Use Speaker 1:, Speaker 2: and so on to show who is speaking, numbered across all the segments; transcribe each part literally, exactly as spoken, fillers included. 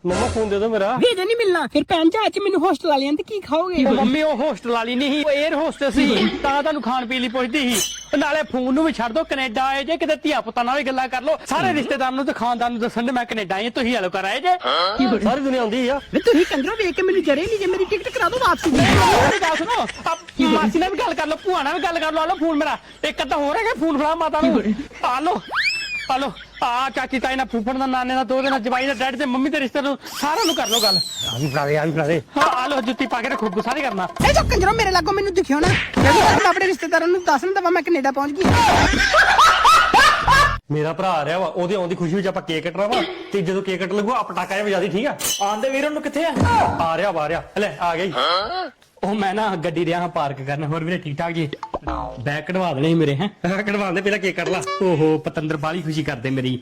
Speaker 1: ਮੰਮਾ phone ਦੇ ਦੋ ਮੇਰਾ।
Speaker 2: ਵੀਜ਼ਾ ਨਹੀਂ ਮਿਲਣਾ ਫਿਰ ਭੈਣ ਜੀ ਅੱਜ ਮੈਨੂੰ ਹੋਸਟਲ ਵਾਲਿਆਂ ਤੇ ਕੀ ਖਾਓਗੇ?
Speaker 1: ਮੰਮੀ ਉਹ ਹੋਸਟਲ ਵਾਲੀ ਨਹੀਂ ਸੀ, ਉਹ 에ਅਰ ਹੋਸਟਸ ਸੀ, ਤਾਂ ਤੁਹਾਨੂੰ ਖਾਣ ਪੀਣ ਲਈ ਪੁੱਛਦੀ ਸੀ। ਨਾਲੇ ਫੋਨ ਨੂੰ ਵੀ ਛੱਡ ਦੋ, ਕੈਨੇਡਾ ਆਏ ਜੇ ਕਿਤੇ ਧੀਆ ਪੁੱਤਾਂ ਨਾਲ ਵੀ ਗੱਲਾਂ ਕਰ ਲੋ। ਸਾਰੇ ਰਿਸ਼ਤੇਦਾਰ ਨੂੰ ਤੇ ਖਾਨਦਾਨ ਨੂੰ ਦੱਸਣ ਦੇ ਮੈਂ ਕੈਨੇਡਾ ਆਈ, ਤੁਸੀਂ ਹਲੋ ਕਰ ਆਏ ਜੇ। ਸਾਰੀ ਦੁਨੀਆ ਆਉਂਦੀ ਆ।
Speaker 2: ਤੁਸੀਂ ਕੰਜਰੋ ਵੇਖ ਕੇ ਮੈਨੂੰ ਜਰੇ ਨਹੀਂ ਜੇ ਮੇਰੀ ਟਿਕਟ ਕਰਾ ਦੋ ਵਾਪਸੀ ਦੀ।
Speaker 1: ਮੇਰੀ ਗੱਲ ਸੁਣੋ, ਆਪ ਮਾਸੀ ਨਾਲ ਵੀ ਗੱਲ ਕਰ ਲੋ, ਭੂਆ ਨਾਲ ਵੀ ਗੱਲ ਕਰ ਲੋ। ਆ ਲੋ ਫੋਨ ਮੇਰਾ, ਇੱਕ ਅੱਧਾ ਹੋਰ ਹੈਗਾ ਫੋਨ ਫੜਾ ਮਾਤਾ ਨੂੰ। ਆ ਲੋ ਆ ਲੋ ਆ ਚਾਚੀ ਤਾਈ ਨਾਲ, ਫੁੱਫੜ ਦਾ, ਨਾਨੇ ਦਾ, ਦੋ ਦੇ ਨਾਲ, ਜਵਾਈ ਦਾ, ਡੈਡ ਤੇ ਮੰਮੀ ਦੇ ਰਿਸ਼ਤੇ ਨੂੰ ਸਾਰਿਆਂ ਨੂੰ ਕਰ ਲੋ ਗੱਲ। ਆ ਵੀ ਫੜਾ ਦੇ, ਆ ਵੀ ਫੜਾ ਦੇ। ਹਾਂ ਆ ਲੋ ਜੁੱਤੀ ਪਾ ਕੇ ਰੱਖੋ, ਗੁੱਸਾ ਨਹੀਂ ਕਰਨਾ।
Speaker 2: ਇਹ ਜੋ ਕੰਜਰੋ ਮੇਰੇ ਲਾਗੋਂ ਮੈਨੂੰ ਦਿਖਿਓ ਨਾ, ਜਦੋਂ ਤੱਕ ਮੈਂ ਆਪਣੇ ਰਿਸ਼ਤੇਦਾਰਾਂ ਨੂੰ ਦੱਸ ਨਾ ਦਵਾਂ ਮੈਂ ਕੈਨੇਡਾ ਪਹੁੰਚ ਗਈ।
Speaker 1: ਮੇਰਾ ਭਰਾ ਆ ਰਿਹਾ ਵਾ, ਉਹਦੇ ਆਉਣ ਦੀ ਖੁਸ਼ੀ ਵਿੱਚ ਆਪਾਂ ਕੇਕ ਕੱਟਣਾ ਵਾ, ਤੇ ਜਦੋਂ ਕੇਕ ਕੱਟ ਲੱਗੂਗਾ ਪਟਾਕਾ ਜਿਹਾ ਵਜਾ ਦੀ, ਠੀਕ ਆ? ਆਂਦੇ ਵੀਰ ਉਹਨੂੰ ਕਿੱਥੇ ਆ? ਆ ਰਿਹਾ ਵਾ, ਆ ਰਿਹਾ। ਲੈ ਆ ਗਈ। ਉਹ ਮੈਂ ਨਾ ਗੱਡੀ ਰਿਹਾ ਹਾਂ ਪਾਰਕ ਕਰਨ। ਹੋਰ ਵੀਰੇ ਠੀਕ ਠਾਕ ਜੀ? ਬੈਗ ਕਢਵਾ ਦੇਣੇ ਸੀ ਮੇਰੇ। ਹੈ ਕਢਵਾ ਦੇ, ਪਹਿਲਾਂ ਕੇਕ ਕੱਟ ਲਾ। ਓਹੋ ਪਤੰਦਰ ਬਾਲੀ ਖੁਸ਼ੀ ਕਰਦੇ ਮੇਰੀ।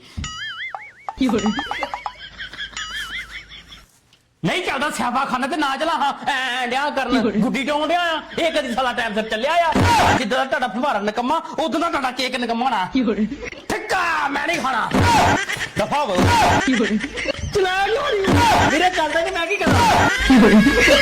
Speaker 1: ਨਹੀਂ ਚੱਲਦਾ ਸਿਆਪਾ ਖਾਨਾ ਤੇ ਨਾ ਚਲਾ। ਹਾਂ ਐ ਡਿਆ ਕਰਨ, ਗੁੱਡੀ ਡਾਉਣ ਡਿਆ ਆ। ਇਹ ਕਦੀ ਸਾਲਾ ਟਾਈਮ ਸਿਰ ਚੱਲਿਆ ਆ। ਜਿੱਦਾਂ ਦਾ ਤੁਹਾਡਾ ਫੁਹਾਰਾ ਨਿਕੰਮਾ, ਉਦੋਂ ਦਾ ਤੁਹਾਡਾ ਕੇਕ ਨਿਕੰਮਾ ਹੋਣਾ। ਠਿੱਕਾ ਮੈਂ ਨਹੀਂ ਖਾਣਾ, ਦਫਾ ਹੋ। ਚਲਾ ਵੀਰੇ ਚੱਲਦਾ ਕਿ ਮੈਂ ਕੀ ਕਰਾਂ?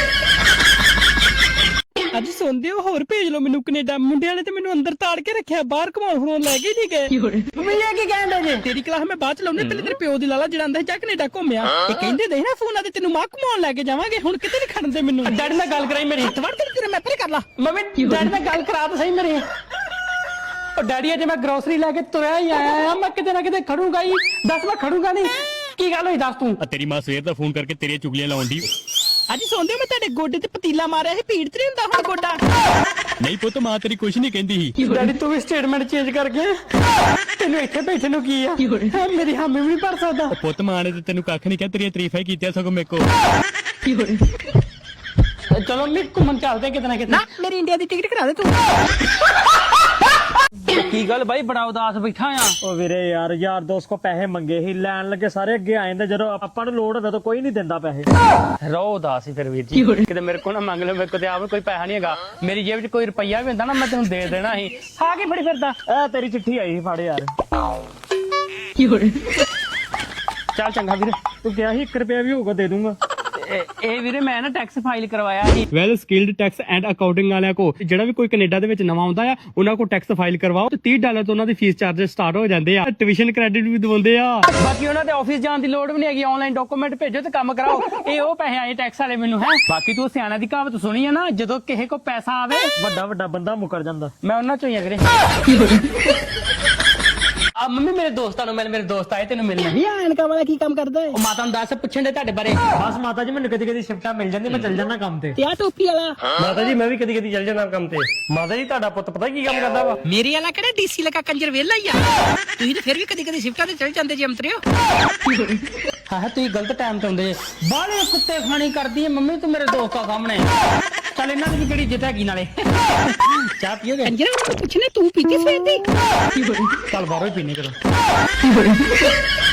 Speaker 2: ਅੱਜ ਸੁਣਦੇ ਹੋ, ਹੋਰ ਭੇਜ ਲੋ ਮੈਨੂੰ ਕੈਨੇਡਾ। ਮੁੰਡਿਆਂ ਨੇ ਤੇ ਮੈਨੂੰ ਅੰਦਰ ਤਾੜ ਕੇ ਰੱਖਿਆ, ਬਾਹਰ ਘਮਾਉਣ ਫਰੋਣ ਲੈ ਕੇ ਨਹੀਂ ਗਏ।
Speaker 1: ਮੰਮੀ ਇਹ ਕੀ ਕਹਿੰਦੇ ਜੇ?
Speaker 2: ਤੇਰੀ ਕਲਾਸ ਮੈਂ ਬਾਅਦ ਚ ਲਾਉਣੀ, ਪਹਿਲੇ ਤੇਰੇ ਪਿਓ ਦੀ ਲਾਲਾ ਜਿਹੜਾ ਆਂਦਾ ਜਾ ਕੈਨੇਡਾ ਘੁੰਮਿਆ। ਇਹ ਕਹਿੰਦੇ ਦੇ ਨਾ ਫੋਨਾਂ ਤੇ ਤੈਨੂੰ ਮਾਂ ਘਮਾਉਣ ਲੈ ਕੇ ਜਾਵਾਂਗੇ, ਹੁਣ ਕਿਤੇ ਨਹੀਂ ਖੜਨ ਦੇ ਮੈਨੂੰ।
Speaker 1: ਡੈਡੀ ਨਾਲ ਗੱਲ ਕਰਾਈ ਮੇਰੀ।
Speaker 2: ਤਵੜ ਤੇ ਤੇਰੇ ਮੈਂ ਪਰੇ ਕਰ ਲਾ।
Speaker 1: ਮੰਮੀ ਡੈਡੀ ਨਾਲ ਗੱਲ ਕਰਾ ਤਾਂ ਸਹੀ ਮੇਰੀ। ਉਹ ਡੈਡੀ ਅਜੇ ਮੈਂ ਗਰੋਸਰੀ ਲੈ ਕੇ ਤੁਰਿਆ ਹੀ ਆਇਆ ਆ, ਮੈਂ ਕਿਤੇ ਨਾ ਕਿਤੇ ਖੜੂਗਾ ਹੀ। ਦੱਸ ਮੈਂ ਖੜੂਗਾ ਨਹੀਂ? ਕੀ ਗੱਲ ਹੋਈ ਦੱਸ ਤੂੰ?
Speaker 3: ਤੇਰੀ ਮਾਂ ਸਵੇਰ ਦਾ ਫੋਨ ਕਰਕੇ ਤੇਰੀਆਂ ਚੁਗਲੀਆਂ ਲਾਉਣ ਦੀ।
Speaker 2: ਅੱਜ ਸੌਂਦੇ ਮੈਂ ਤੁਹਾਡੇ ਗੋਡੇ ਤੇ ਪਤੀਲਾ ਮਾਰਿਆ ਸੀ, ਭੀੜ ਤੇ ਨਹੀਂ ਹੁੰਦਾ ਹੁਣ ਗੋਡਾ?
Speaker 3: ਨਹੀਂ ਪੁੱਤ, ਮਾਂ ਤੇਰੀ ਕੁਛ ਨਹੀਂ ਕਹਿੰਦੀ ਸੀ।
Speaker 1: ਡੈਡੀ ਤੂੰ ਵੀ ਸਟੇਟਮੈਂਟ ਚੇਂਜ ਕਰ ਗਿਆ। ਤੈਨੂੰ ਇੱਥੇ ਬੈਠੇ ਨੂੰ ਕੀ ਆ? ਮੇਰੀ ਹਾਮੀ ਵੀ ਨਹੀਂ ਭਰ ਸਕਦਾ।
Speaker 3: ਪੁੱਤ ਮਾਂ ਨੇ ਤੇ ਤੈਨੂੰ ਕੱਖ ਨਹੀਂ ਕਿਹਾ, ਤੇਰੀਆਂ ਤਾਰੀਫਾਂ ਹੀ ਕੀਤੀਆਂ ਸਗੋਂ ਮੇਰੇ ਕੋਲ।
Speaker 1: ਚਲੋ ਮੈਂ ਘੁੰਮਣ ਚੱਲਦੇ ਕਿਤੇ ਨਾ ਕਿਤੇ।
Speaker 2: ਨਾ ਮੇਰੀ ਇੰਡੀਆ ਦੀ ਟਿਕਟ ਕਰਾ ਦੇ ਤੂੰ।
Speaker 1: ਕੀ ਗੱਲ ਬਾਈ ਬੜਾ ਉਦਾਸ ਬੈਠਾ ਆ?
Speaker 4: ਉਹ ਵੀਰੇ ਯਾਰ ਯਾਰ ਦੋਸਤ ਕੋ ਪੈਸੇ ਮੰਗੇ ਸੀ, ਲੈਣ ਲੱਗੇ ਸਾਰੇ ਅੱਗੇ ਆ ਜਾਂਦੇ, ਜਦੋਂ ਆਪਾਂ ਨੂੰ ਲੋੜ ਹੋਵੇ ਤਾਂ ਕੋਈ ਨਹੀਂ ਦਿੰਦਾ ਪੈਸੇ।
Speaker 1: ਰੋ ਉਦਾਸ ਹੀ ਫਿਰ ਵੀਰ ਜੀ, ਕਿਤੇ ਮੇਰੇ ਕੋਲ ਨਾ ਮੰਗ ਲਿਓ। ਮੇਰੇ ਕੋਲ ਤੇ ਆਪ ਕੋਈ ਪੈਸਾ ਨਹੀਂ ਹੈਗਾ। ਮੇਰੀ ਜੇਬ 'ਚ ਕੋਈ ਰੁਪਈਆ ਵੀ ਹੁੰਦਾ ਨਾ, ਮੈਂ ਤੈਨੂੰ ਦੇ ਦੇਣਾ ਸੀ। ਆ ਕੀ ਫੜੀ ਫਿਰਦਾ?
Speaker 4: ਇਹ ਤੇਰੀ ਚਿੱਠੀ ਆਈ ਸੀ, ਫੜ ਯਾਰ।
Speaker 1: ਚੱਲ ਚੰਗਾ ਵੀਰੇ।
Speaker 4: ਤੂੰ ਕਿਹਾ ਸੀ ਇੱਕ ਰੁਪਿਆ ਵੀ ਹੋਊਗਾ ਦੇ ਦੂੰਗਾ।
Speaker 1: ਇਹ ਇਹ ਵੀਰੇ ਮੈਂ ਨਾ ਟੈਕਸ ਫਾਈਲ ਕਰਵਾਇਆ ਸੀ।
Speaker 3: Well skilled tax and accounting ਵਾਲਿਆਂ ਕੋ, ਜਿਹੜਾ ਵੀ ਕੋਈ ਕੈਨੇਡਾ ਦੇ ਵਿੱਚ ਨਵਾਂ ਆਉਂਦਾ ਆ, ਉਹਨਾਂ ਕੋ ਟੈਕਸ ਫਾਈਲ ਕਰਵਾਓ ਤੇ ਤੀਹ ਡਾਲਰ ਤੋਂ ਉਹਨਾਂ ਦੀ ਫੀਸ ਚਾਰजेस ਸਟਾਰਟ ਹੋ ਜਾਂਦੇ ਆ। ਟਿਊਸ਼ਨ ਕ੍ਰੈਡਿਟ ਵੀ ਦਿਵਾਉਂਦੇ ਆ।
Speaker 1: ਬਾਕੀ ਉਹਨਾਂ ਦੇ ਆਫਿਸ ਜਾਣ ਦੀ ਲੋੜ ਵੀ ਨਹੀਂ ਹੈਗੀ, ਆਨਲਾਈਨ ਡਾਕੂਮੈਂਟ ਭੇਜੋ ਤੇ ਕੰਮ ਕਰਾਓ। ਇਹ ਉਹ ਪੈਸੇ ਆਏ ਟੈਕਸ ਵਾਲੇ ਮੈਨੂੰ। ਹੈ ਬਾਕੀ ਤੂੰ ਸਿਆਣਾ ਦੀ ਕਹਾਵਤ ਸੁਣੀ ਹੈ ਨਾ, ਜਦੋਂ ਕਿਸੇ ਕੋ ਪੈਸਾ ਆਵੇ
Speaker 4: ਵੱਡਾ ਵੱਡਾ ਬੰਦਾ ਮੁਕਰ ਜਾਂਦਾ।
Speaker 1: ਮੈਂ ਉਹਨਾਂ ਚੋਂ ਹੀ ਆ ਵੀਰੇ। ਆ ਮੰਮੀ ਮੇਰੇ ਦੋਸਤਾਂ ਨੂੰ ਮਿਲ, ਮੇਰੇ ਦੋਸਤ ਆਏ ਤੈਨੂੰ ਮਿਲਣ।
Speaker 2: ਵੀ ਐਨਕਾਂ ਵਾਲਾ ਕੀ ਕੰਮ ਕਰਦਾ ਹੈ?
Speaker 1: ਉਹ ਮਾਤਾ ਨੂੰ ਦੱਸ, ਪੁੱਛਣ ਦੇ ਤੁਹਾਡੇ ਬਾਰੇ।
Speaker 4: ਬਸ ਮਾਤਾ ਜੀ ਮੈਨੂੰ ਕਦੀ ਕਦੀ ਸ਼ਿਫਟਾਂ ਮਿਲ ਜਾਂਦੀ, ਮੈਂ ਚੱਲ ਜਾਂਦਾ ਕੰਮ ਤੇ।
Speaker 2: ਤੇ ਆ ਟੋਪੀ ਵਾਲਾ?
Speaker 1: ਮਾਤਾ ਜੀ ਮੈਂ ਵੀ ਕਦੀ ਕਦੀ ਚੱਲ ਜਾਂਦਾ ਕੰਮ ਤੇ। ਮਾਤਾ ਜੀ ਤੁਹਾਡਾ ਪੁੱਤ ਪਤਾ ਕੀ ਕੰਮ ਕਰਦਾ ਵਾ?
Speaker 2: ਮੇਰੇ ਵਾਲਾ ਕਿਹੜਾ ਡੀਸੀ ਲਗਾ ਕੰਜਰ ਵੇਲਾ ਹੀ ਆ। ਤੁਸੀਂ ਤੇ ਫਿਰ ਵੀ ਕਦੀ ਕਦੀ ਸ਼ਿਫਟਾਂ ਤੇ ਚੱਲ ਜਾਂਦੇ ਜੀ ਅੰਤਰਿਓ।
Speaker 1: ਹਾਂ ਤੁਸੀਂ ਗਲਤ ਟਾਈਮ ਤੇ ਹੁੰਦੇ ਜੇ। ਬਾਹਲੇ ਕੁੱਤੇ ਖਾਣੀ ਕਰਦੀ ਹੈ ਮੰਮੀ ਤੂੰ ਮੇਰੇ ਦੋਸਤਾਂ ਸਾਹਮਣੇ। ਚੱਲ ਇਹਨਾਂ ਦੀ ਵੀ ਕਿਹੜੀ ਇੱਜ਼ਤ ਹੈਗੀ ਨਾਲੇ। ਚਾਹ ਪੀਓਗੇ?
Speaker 2: ਕੰਜਰ ਪੁੱਛਨੇ ਤੂੰ ਪੀਤੀ ਸਵੇਰ ਦੀ?
Speaker 1: ਚੱਲ ਬਾਹਰੋਂ ਹੀ ਪੀਨੇ ਕਰੋ।